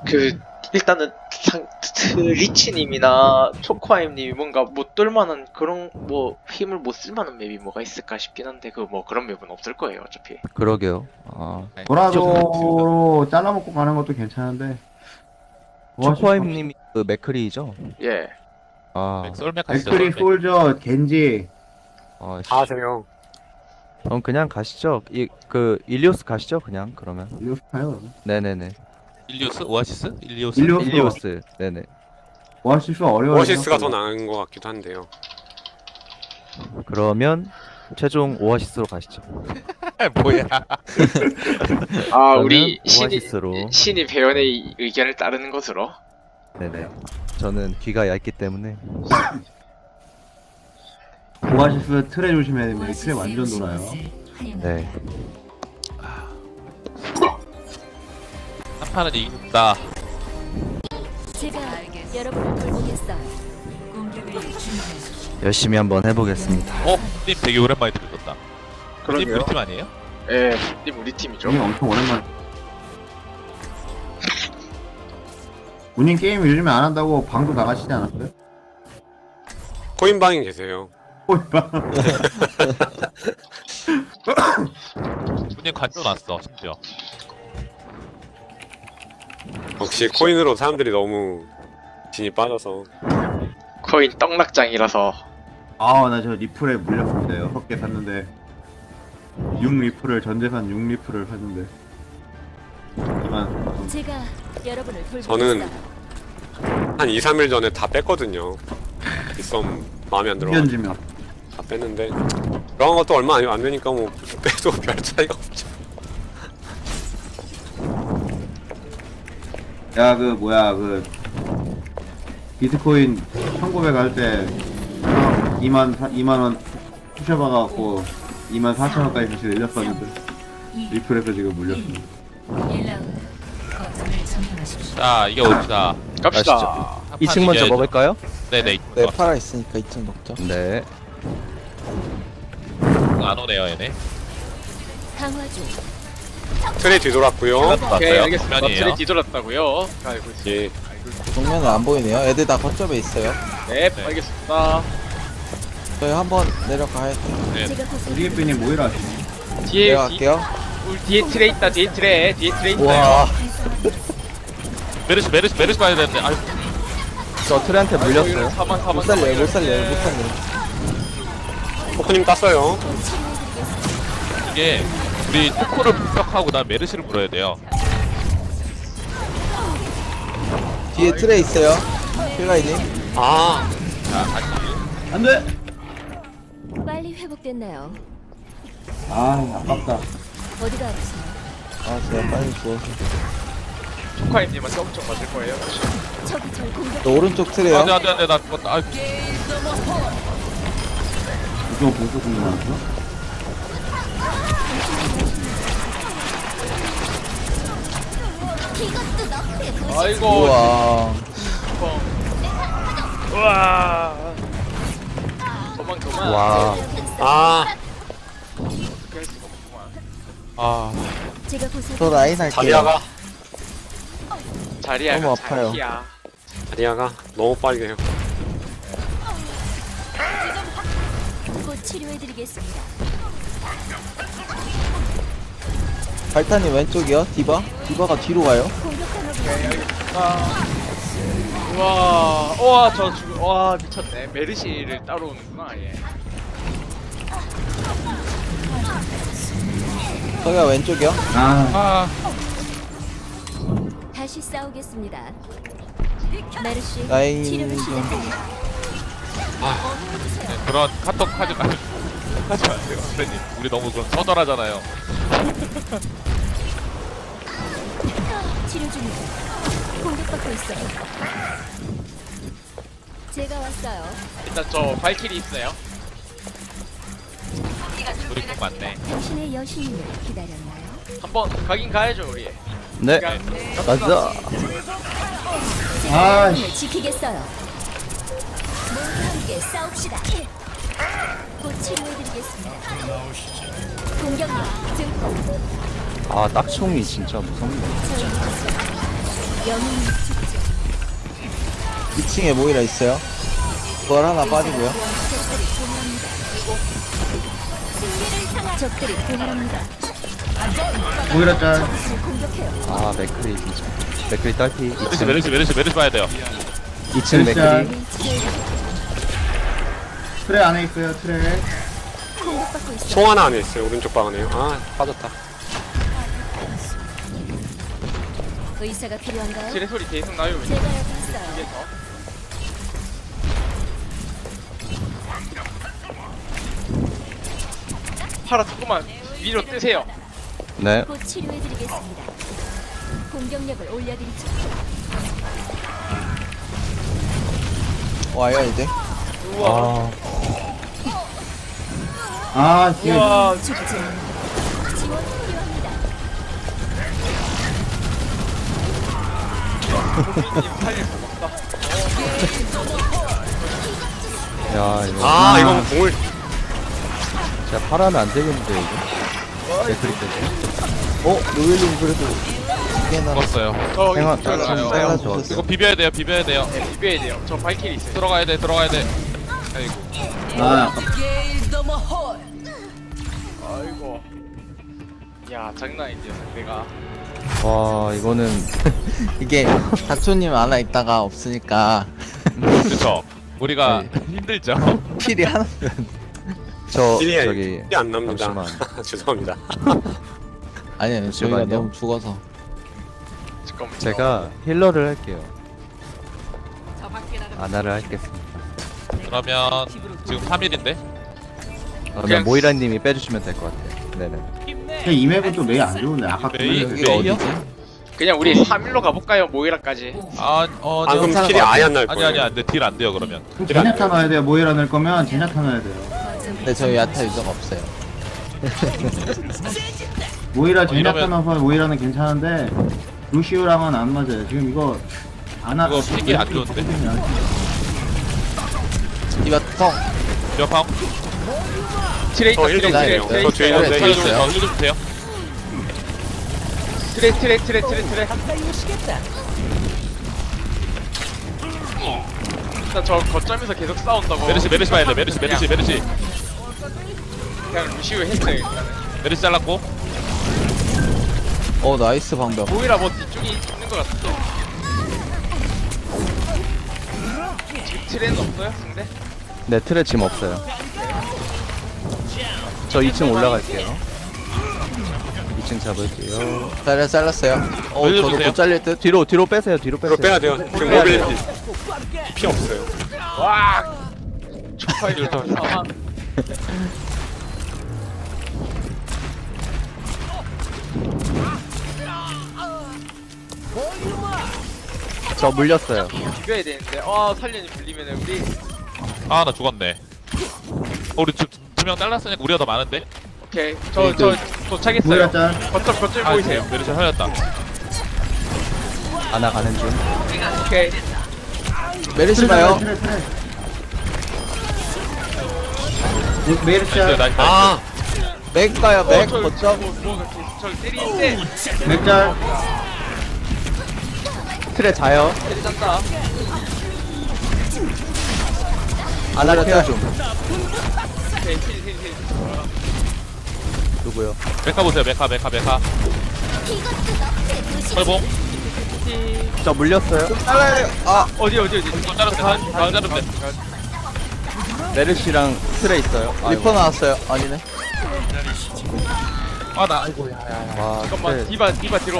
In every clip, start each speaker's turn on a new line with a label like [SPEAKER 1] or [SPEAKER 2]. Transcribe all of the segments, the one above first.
[SPEAKER 1] 그 일단은 리치님이나 초코아임님이 뭔가 못 뚫만한 그런 뭐 힘을 못 쓸만한 맵이 뭐가 있을까 싶긴 한데 그 뭐 그런 맵은 없을 거예요 어차피.
[SPEAKER 2] 그러게요. 아,
[SPEAKER 3] 도라도로 잘라먹고 가는 것도 괜찮은데
[SPEAKER 2] 초코아임님이 그 맥크리죠?
[SPEAKER 1] 예.
[SPEAKER 2] 아,
[SPEAKER 4] 솔맥 하시죠.
[SPEAKER 3] 맥크리,
[SPEAKER 4] 솔맥.
[SPEAKER 3] 솔저, 겐지.
[SPEAKER 2] 아, 씨.
[SPEAKER 5] 다 하세요.
[SPEAKER 2] 그럼 그냥 가시죠. 그 일리오스 가시죠. 그냥 그러면.
[SPEAKER 3] 일리오스 가요.
[SPEAKER 2] 네네네.
[SPEAKER 4] 일리오스? 오아시스? 일리오스?
[SPEAKER 3] 일리오스.
[SPEAKER 2] 일리오스. 네네.
[SPEAKER 3] 오아시스가 어려워요.
[SPEAKER 5] 오아시스가 더 나은 것 같기도 한데요.
[SPEAKER 2] 그러면 최종 오아시스로 가시죠.
[SPEAKER 4] 뭐야?
[SPEAKER 1] 아
[SPEAKER 2] 저는
[SPEAKER 1] 우리
[SPEAKER 2] 오아시스로.
[SPEAKER 1] 신이 배연의 의견을 따르는 것으로.
[SPEAKER 2] 네네. 저는 귀가 얇기 때문에.
[SPEAKER 3] 오아시스 틀에 조심해야 됩니다. 이 틀에 완전 돌아요.
[SPEAKER 2] 네.
[SPEAKER 4] 한 판은 이긴다.
[SPEAKER 6] 제가 여러분을 돌보겠어요.
[SPEAKER 2] 열심히 한번 해보겠습니다.
[SPEAKER 4] 님 되게 오랜만에 들었다. 님
[SPEAKER 1] 그러게요.
[SPEAKER 4] 우리 팀 아니에요?
[SPEAKER 1] 예. 님 우리 팀이죠.
[SPEAKER 3] 이게 엄청 오랜만에. 본인 게임 요즘에 안 한다고 방도 나가시지 않았어요?
[SPEAKER 5] 코인방에 계세요.
[SPEAKER 4] 님 간도 났어 심지어.
[SPEAKER 5] 역시 코인으로 사람들이 너무 진이 빠져서.
[SPEAKER 1] 코인 떡락장이라서.
[SPEAKER 3] 아, 나 저 리플에 물렸습니다. 6개 샀는데 6 리플을 전재산 6 리플을 샀는데 하지만
[SPEAKER 6] 제가 여러분을 돌보겠어요.
[SPEAKER 5] 저는 한 2, 3일 전에 다 뺐거든요. 빗썸 마음에 안 들어.
[SPEAKER 3] 현지면
[SPEAKER 5] 다 뺐는데 그런 것도 얼마 안 되니까 뭐 빼도 별 차이가 없죠.
[SPEAKER 3] 야, 그 뭐야, 그 비트코인 1900 할 때 2만 원 푸셔봐갖고 24,000원까지 다시 내렸었는데 리플에서 지금 물렸습니다.
[SPEAKER 4] 자 이겨봅시다.
[SPEAKER 1] 갑시다.
[SPEAKER 4] 한
[SPEAKER 2] 2층
[SPEAKER 4] 판
[SPEAKER 2] 먼저
[SPEAKER 4] 이겨야죠.
[SPEAKER 2] 먹을까요?
[SPEAKER 4] 네네.
[SPEAKER 7] 네, 팔아 있으니까 2층 먹죠.
[SPEAKER 2] 네.
[SPEAKER 4] 안 오네요 얘네.
[SPEAKER 6] 강화 중.
[SPEAKER 5] 틀에 뒤돌았고요.
[SPEAKER 1] 오케이
[SPEAKER 4] 봤어요.
[SPEAKER 1] 알겠습니다.
[SPEAKER 4] 면이에요.
[SPEAKER 1] 틀에 뒤돌았다고요. 알고 있습니다.
[SPEAKER 5] 예.
[SPEAKER 7] 정면은 안 보이네요. 애들 다 거점에 있어요.
[SPEAKER 1] 네,
[SPEAKER 4] 네.
[SPEAKER 1] 알겠습니다.
[SPEAKER 7] 저희 한번 내려가야 돼요.
[SPEAKER 4] 네.
[SPEAKER 6] 제가 보살펴
[SPEAKER 3] 우리에프님 뭐이라 하시네?
[SPEAKER 1] 뒤에
[SPEAKER 7] 내려갈게요.
[SPEAKER 1] 우리 뒤에 트레 있다. 뒤에 트레 있다.
[SPEAKER 7] 와,
[SPEAKER 4] 메르시 봐야 되는데. 아유
[SPEAKER 2] 저 트레한테 물렸어요.
[SPEAKER 1] 사만
[SPEAKER 7] 못 살려요, 못 살려요, 못 살려요.
[SPEAKER 5] 포크님 땄어요.
[SPEAKER 4] 이게 우리 토코를 분석하고 난 메르시를 물어야 돼요.
[SPEAKER 7] 뒤에 트레 있어요. 필라이님.
[SPEAKER 5] 아,
[SPEAKER 4] 자 다시.
[SPEAKER 3] 안돼!
[SPEAKER 6] 빨리 회복됐나요?
[SPEAKER 3] 아, 아깝다.
[SPEAKER 6] 어디가 아프세요?
[SPEAKER 7] 아, 제가 빨리 죽어서.
[SPEAKER 1] 초카임님한테 엄청 맞을 거예요.
[SPEAKER 6] 저기 절 공격.
[SPEAKER 7] 저 오른쪽 트레요.
[SPEAKER 4] 안돼 나 죽었다. 아유.
[SPEAKER 3] 이거 보고 궁금하죠?
[SPEAKER 6] 이것도 너프에 보시.
[SPEAKER 1] 아이고.
[SPEAKER 7] 우와.
[SPEAKER 1] 우와. 도망.
[SPEAKER 2] 와.
[SPEAKER 5] 아,
[SPEAKER 1] 어떻게 할 수가 없구만.
[SPEAKER 4] 아
[SPEAKER 6] 제가 보살펴.
[SPEAKER 7] 저 라인 할게요.
[SPEAKER 5] 다리아가
[SPEAKER 1] 자리야.
[SPEAKER 7] 너무 아파요.
[SPEAKER 1] 자리야.
[SPEAKER 5] 다리아가 너무 빨리 해요.
[SPEAKER 6] 곧 치료해드리겠습니다.
[SPEAKER 7] 발탄님 왼쪽이요. 디바. 디바가 뒤로 가요.
[SPEAKER 6] 공격하는
[SPEAKER 1] 오케이 알겠습니다. 우와. 와 미쳤네. 메르시를 따로 오는구나 얘.
[SPEAKER 7] 저기가 왼쪽이요.
[SPEAKER 3] 아,
[SPEAKER 6] 다시 싸우겠습니다. 메르시
[SPEAKER 7] 라인
[SPEAKER 6] 치료를
[SPEAKER 7] 좀.
[SPEAKER 6] 시작합니다.
[SPEAKER 4] 네, 그런 카톡 하지 마세요 선배님. 우리 너무 그럼 처절하잖아요.
[SPEAKER 6] 치료 중입니다. 공격받고 있어요. 제가 왔어요.
[SPEAKER 1] 일단 저 발키리 있어요.
[SPEAKER 4] 우리 좀 많네.
[SPEAKER 6] 당신의 여신님을 기다렸나요?
[SPEAKER 1] 한번 가긴 가야죠 우리.
[SPEAKER 2] 네. 가자.
[SPEAKER 3] 아,
[SPEAKER 6] 여신님을 지키겠어요. 모두 함께 싸웁시다. 곧 치료해드리겠습니다. 공격력 증폭.
[SPEAKER 2] 아, 딱총이 진짜 무섭네.
[SPEAKER 6] 저희 영웅이 죽지.
[SPEAKER 7] 2층에 모이라 있어요. 그걸 하나 빠지고요.
[SPEAKER 6] 적들이 분열합니다. 승리를 향한 적들이 분열합니다.
[SPEAKER 3] 모이라 짤.
[SPEAKER 6] 적을 공격해요.
[SPEAKER 2] 아 맥크리 진짜. 맥크리 딸피.
[SPEAKER 4] 메르시 봐야 돼요.
[SPEAKER 2] 2층 맥크리.
[SPEAKER 6] 위치를
[SPEAKER 3] 트레 안에 있어요. 트레.
[SPEAKER 6] 공격받고 있어.
[SPEAKER 5] 송 하나 안에 있어요. 오른쪽 방 안에요. 아 빠졌다.
[SPEAKER 6] 의사가 필요한가요?
[SPEAKER 1] 지뢰 소리 계속 나요.
[SPEAKER 6] 제가 여기 있어요.
[SPEAKER 1] 팔아 조금만 위로 뜨세요.
[SPEAKER 2] 네.
[SPEAKER 6] 곧 치료해드리겠습니다. 공격력을 올려드리죠.
[SPEAKER 7] 와요 이제.
[SPEAKER 1] 우와.
[SPEAKER 2] 아,
[SPEAKER 3] 뒤에.
[SPEAKER 1] 우와.
[SPEAKER 6] 죽지 않아. 지원 필요합니다.
[SPEAKER 1] 고객님 살릴 수 없다.
[SPEAKER 2] 야 이거.
[SPEAKER 5] 아 이건 공을
[SPEAKER 2] 진짜 팔하면 안 되겠는데 이거. 맥크리 때문에.
[SPEAKER 7] 노엘님 그래도 이게나
[SPEAKER 4] 죽었어요.
[SPEAKER 1] 저
[SPEAKER 2] 생각
[SPEAKER 1] 저
[SPEAKER 2] 좀
[SPEAKER 1] 나요.
[SPEAKER 2] 빨라
[SPEAKER 4] 이거
[SPEAKER 2] 좋았어.
[SPEAKER 4] 비벼야 돼요. 비벼야 돼요.
[SPEAKER 1] 네, 비벼야 돼요. 저 발키리 있어요.
[SPEAKER 4] 들어가야 돼. 아이고.
[SPEAKER 3] 아,
[SPEAKER 1] 아이고. 야 장난 아니죠 상대가.
[SPEAKER 2] 와 이거는
[SPEAKER 7] 이게 다초님 하나 있다가 없으니까
[SPEAKER 4] 그쵸. 우리가
[SPEAKER 2] 네.
[SPEAKER 4] 힘들죠.
[SPEAKER 7] 필이 하나.
[SPEAKER 2] 저
[SPEAKER 5] 딜이
[SPEAKER 2] 저기
[SPEAKER 5] 딜이 안 납니다.
[SPEAKER 2] 잠시만.
[SPEAKER 5] 죄송합니다.
[SPEAKER 7] 아니요 저희가
[SPEAKER 2] 잠시만요.
[SPEAKER 7] 너무 죽어서.
[SPEAKER 1] 잠깐만요.
[SPEAKER 2] 제가 힐러를 할게요. 아나를 하겠습니다.
[SPEAKER 4] 그러면 지금 3일인데
[SPEAKER 2] 그러면 모이라님이 빼주시면 될 것 같아요. 네네.
[SPEAKER 3] 근데 이 맵은 또 메이 안 좋은데 아까 그
[SPEAKER 4] 메이?
[SPEAKER 3] 맵.
[SPEAKER 7] 여기가
[SPEAKER 4] 메이요?
[SPEAKER 7] 어디지?
[SPEAKER 1] 그냥 우리 3일로 가볼까요? 모이라까지.
[SPEAKER 5] 아
[SPEAKER 4] 네.
[SPEAKER 5] 그럼 킬이 아예 안 날
[SPEAKER 4] 아니
[SPEAKER 5] 거예요.
[SPEAKER 4] 아니 안돼 딜 안 돼요 그러면.
[SPEAKER 3] 그럼 제냐타 넣어야 돼요. 모이라 넣을 거면 제냐타 넣어야 돼요.
[SPEAKER 7] 근데 저희 야타 유저가 없어요.
[SPEAKER 3] 모이라 제냐타
[SPEAKER 4] 이러면-
[SPEAKER 3] 넣어서 모이라는 괜찮은데 루시우랑은 안 맞아요. 지금 이거 안
[SPEAKER 4] 이거 픽이 안 좋은데?
[SPEAKER 7] 이봐 텅.
[SPEAKER 4] 몇방
[SPEAKER 1] 트레이
[SPEAKER 5] 저 1점
[SPEAKER 7] 트레이,
[SPEAKER 5] 주세요.
[SPEAKER 7] 트레이,
[SPEAKER 5] 저 뒤에
[SPEAKER 7] 트레이,
[SPEAKER 5] 있는데
[SPEAKER 7] 트레이.
[SPEAKER 5] 힐 좀-
[SPEAKER 7] 있어요.
[SPEAKER 4] 힐좀 주세요.
[SPEAKER 1] 트레. 저 거점에서 계속 싸운다고.
[SPEAKER 4] 메르시 봐야 돼. 메르시
[SPEAKER 1] 그냥 루시우 했어요 일단은.
[SPEAKER 4] 메르시 잘랐고.
[SPEAKER 7] 나이스 방벽.
[SPEAKER 1] 모이라 뭐 뒤쪽에 있는 것 같은데. 지금 트레는 없어요 상대?
[SPEAKER 2] 네 틀에 짐 없어요. 저 2층 올라갈게요. 2층 잡을게요.
[SPEAKER 7] 잘랐어요. 저도
[SPEAKER 4] 올려주세요.
[SPEAKER 7] 못 잘릴 듯.
[SPEAKER 2] 뒤로 빼세요. 뒤로
[SPEAKER 5] 이거
[SPEAKER 2] 빼세요.
[SPEAKER 5] 빼야 돼요. 지금
[SPEAKER 2] 빼야
[SPEAKER 5] 모빌리티 피 없어요.
[SPEAKER 1] 와. 초파이드 상황.
[SPEAKER 2] 저 물렸어요.
[SPEAKER 1] 비벼야 되는데. 살려니 불리면은 우리.
[SPEAKER 4] 아 나 죽었네. 우리 두 명 잘랐으니까 우리가 더 많은데.
[SPEAKER 1] 오케이. 저 도착했어요.
[SPEAKER 3] 모이라 짤.
[SPEAKER 1] 거점 보이세요?
[SPEAKER 4] 메르시 살렸다.
[SPEAKER 2] 아나 가는 중.
[SPEAKER 1] 오케이.
[SPEAKER 7] 메르시 봐요.
[SPEAKER 3] 트레. 메이르
[SPEAKER 4] 나이스
[SPEAKER 3] 짤.
[SPEAKER 4] 나이스.
[SPEAKER 5] 아
[SPEAKER 7] 맥 가요 맥.
[SPEAKER 1] 저
[SPEAKER 7] 거점.
[SPEAKER 1] 뭐가 계속 저를 때리는데.
[SPEAKER 3] 맥짤.
[SPEAKER 2] 틀에 자요.
[SPEAKER 1] 때리잔다.
[SPEAKER 2] 아나를 태워 좀.
[SPEAKER 1] 오케이. 힐.
[SPEAKER 2] 누구요?
[SPEAKER 4] 메카 보세요. 메카. 철봉.
[SPEAKER 2] 저 물렸어요.
[SPEAKER 7] 잘라야 돼요.
[SPEAKER 1] 어디.
[SPEAKER 4] 좀 자르면 돼. 방 자르면 돼.
[SPEAKER 2] 메르시랑 틀에 있어요.
[SPEAKER 7] 리퍼 나왔어요. 아니네.
[SPEAKER 4] 아나
[SPEAKER 2] 와,
[SPEAKER 1] 잠깐만.
[SPEAKER 2] 틀에
[SPEAKER 1] 디바 뒤로.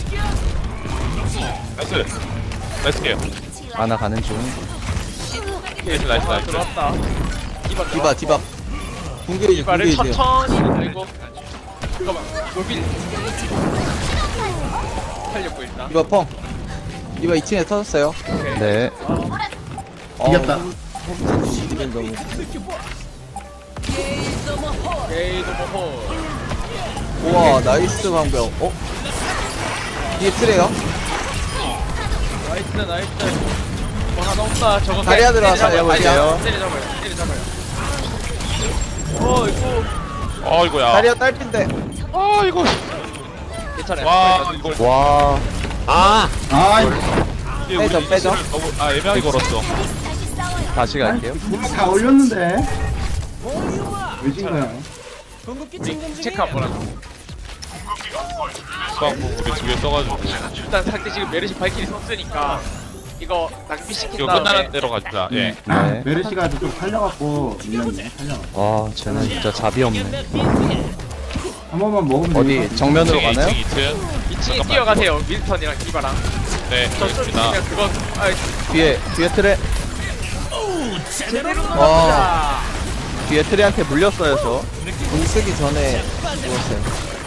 [SPEAKER 4] 나이스 게임.
[SPEAKER 2] 아나 가는 중.
[SPEAKER 4] 나이스.
[SPEAKER 1] 들어왔다.
[SPEAKER 7] 디바. 궁계이지
[SPEAKER 1] 디바를
[SPEAKER 7] 궁계이지.
[SPEAKER 1] 천천히 들고. 잠깐만. 모빌. 살렸고 일단.
[SPEAKER 7] 디바 펑. 디바 2층에 터졌어요.
[SPEAKER 2] 네.
[SPEAKER 3] 이겼다.
[SPEAKER 7] 이건 너무.
[SPEAKER 1] 오케이. 도모호.
[SPEAKER 7] 우와 나이스 방벽. 뒤에 트레요.
[SPEAKER 1] 나이스. 뭐 하나 없다. 저거
[SPEAKER 7] 다리야 들어와서
[SPEAKER 2] 살려볼게요.
[SPEAKER 1] 때려잡아요. 이거
[SPEAKER 4] 어이구야.
[SPEAKER 7] 다리야 딸핀데.
[SPEAKER 1] 괜찮아요.
[SPEAKER 4] 와 이거.
[SPEAKER 2] 와.
[SPEAKER 5] 아
[SPEAKER 3] 아
[SPEAKER 4] 이게
[SPEAKER 7] 빼죠,
[SPEAKER 4] 우리
[SPEAKER 7] 빼죠.
[SPEAKER 4] 이스를 너무 애매하게 걸었어.
[SPEAKER 2] 다시 갈게요.
[SPEAKER 3] 다 올렸는데 왜 진 거야?
[SPEAKER 1] 우리 체크 한번 하자.
[SPEAKER 4] 수학공 우리 두 개 써가지고
[SPEAKER 1] 일단 상대 지금 메르시 발길이 썼으니까 이거 낭비시킨
[SPEAKER 4] 이거
[SPEAKER 1] 다음에
[SPEAKER 4] 끝나는 대로 가자. 예.
[SPEAKER 2] 네.
[SPEAKER 3] 메르시가 좀 살려갖고 밀렸네. 살려갖고.
[SPEAKER 2] 아 쟤는 진짜 잡이 없네.
[SPEAKER 3] 한 번만 먹으면
[SPEAKER 2] 어디
[SPEAKER 3] 되니까.
[SPEAKER 2] 정면으로
[SPEAKER 4] 2층,
[SPEAKER 2] 가나요?
[SPEAKER 4] 2층, 2층.
[SPEAKER 1] 2층에 뛰어가세요. 윈스턴이랑 디바랑.
[SPEAKER 4] 네, 알겠습니다.
[SPEAKER 1] 그냥 그건 아
[SPEAKER 2] 뒤에 트레
[SPEAKER 1] 제대로
[SPEAKER 7] 와.
[SPEAKER 1] 나갑니다.
[SPEAKER 2] 뒤에 트레한테 물렸어요 저.
[SPEAKER 7] 공 쓰기 전에 죽었어요.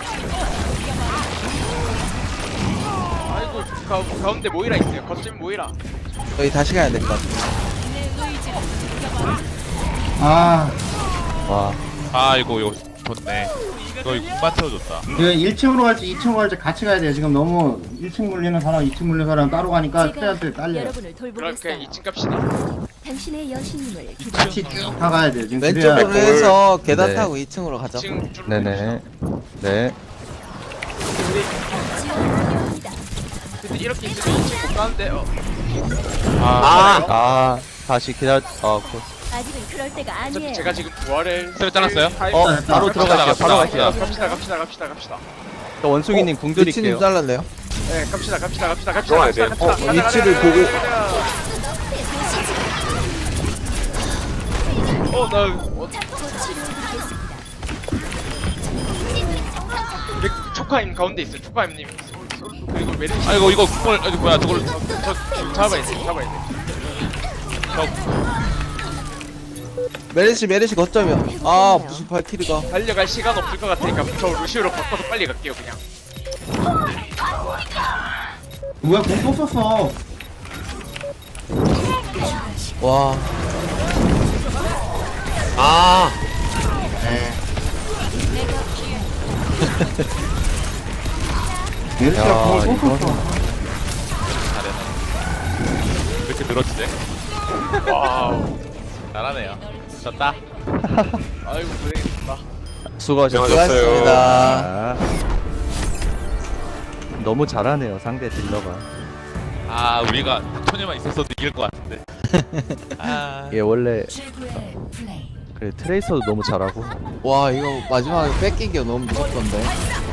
[SPEAKER 1] 아이고 가운데 모이라 있어요. 거점 모이라.
[SPEAKER 7] 저희 다시 가야 될 것 같아요.
[SPEAKER 3] 아,
[SPEAKER 2] 와
[SPEAKER 4] 아이고 이거 좋네. 이거 공만 채워줬다.
[SPEAKER 3] 그 1층으로 갈지 2층으로 갈지 같이 가야 돼요. 지금 너무 1층 물리는 사람, 2층 물리는 사람 따로 가니까
[SPEAKER 6] 제가
[SPEAKER 3] 트레한테 딸려요.
[SPEAKER 6] 여러분을
[SPEAKER 1] 그럼
[SPEAKER 6] 돌보겠어요.
[SPEAKER 1] 그냥 2층 갑시다.
[SPEAKER 6] 당신의 여신님을 기다려.
[SPEAKER 3] 같이 쭉 다 가야 돼요. 지금
[SPEAKER 7] 왼쪽으로
[SPEAKER 3] 그래야
[SPEAKER 7] 해서 계단
[SPEAKER 2] 네.
[SPEAKER 7] 타고 2층으로 가죠.
[SPEAKER 1] 2층 쭉.
[SPEAKER 2] 네네 네.
[SPEAKER 6] 지원이 필요합니다.
[SPEAKER 1] 근데 이렇게 있으면 2층 못 가는데.
[SPEAKER 5] 아.
[SPEAKER 2] 아 다시 기다려.
[SPEAKER 6] 아직은 그럴 때가
[SPEAKER 1] 어차피
[SPEAKER 6] 아니에요.
[SPEAKER 1] 제가 지금 부활을
[SPEAKER 4] 스트레스 잘랐어요?
[SPEAKER 2] 바로 들어갈게요. 바로 갈게요.
[SPEAKER 1] 갑시다.
[SPEAKER 2] 저 원숭이님 궁 드릴게요.
[SPEAKER 7] 위치님 잘랐네요.
[SPEAKER 1] 네, 갑시다.
[SPEAKER 5] 들어가야 돼요.
[SPEAKER 7] 위치를 보고.
[SPEAKER 1] 나
[SPEAKER 6] 곧 치료해드리겠습니다.
[SPEAKER 1] 초카임 가운데 있어요. 초카임님. 그리고 메르시.
[SPEAKER 4] 아이고 이거 그걸 아니 뭐야 저걸
[SPEAKER 1] 저 잡아야 돼.
[SPEAKER 7] 메르시 거점이요. 아 무슨 발키리가.
[SPEAKER 1] 달려갈 시간 없을 것 같으니까 저 루시오로 바꿔서 빨리 갈게요 그냥.
[SPEAKER 3] 뭐야, 공또 썼어.
[SPEAKER 7] 와.
[SPEAKER 5] 아.
[SPEAKER 3] 메르시가
[SPEAKER 2] 야,
[SPEAKER 3] 공을 또
[SPEAKER 2] 이거는-
[SPEAKER 3] 썼어.
[SPEAKER 4] 왜 이렇게 늘어지네?
[SPEAKER 1] 와우.
[SPEAKER 4] 잘하네요. 졌다.
[SPEAKER 1] 아이고 고생했습니다.
[SPEAKER 2] 수고하셨어요.
[SPEAKER 7] 수고하셨습니다.
[SPEAKER 2] 아, 너무 잘하네요 상대 딜러가.
[SPEAKER 4] 아 우리가 닥터님만 있었어도 이길 것 같은데. 아.
[SPEAKER 2] 얘 원래 그래 트레이서도 너무 잘하고.
[SPEAKER 7] 와 이거 마지막에 뺏기기가 너무 무섭던데.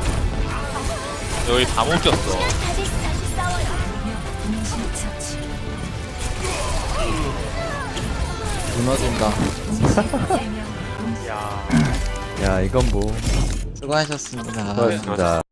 [SPEAKER 4] 여기 다 못 꼈어.
[SPEAKER 6] 다시 싸워요.
[SPEAKER 7] 무너진다.
[SPEAKER 1] 야.
[SPEAKER 2] 야 이건 뭐
[SPEAKER 7] 수고하셨습니다.
[SPEAKER 2] 수고하셨습니다.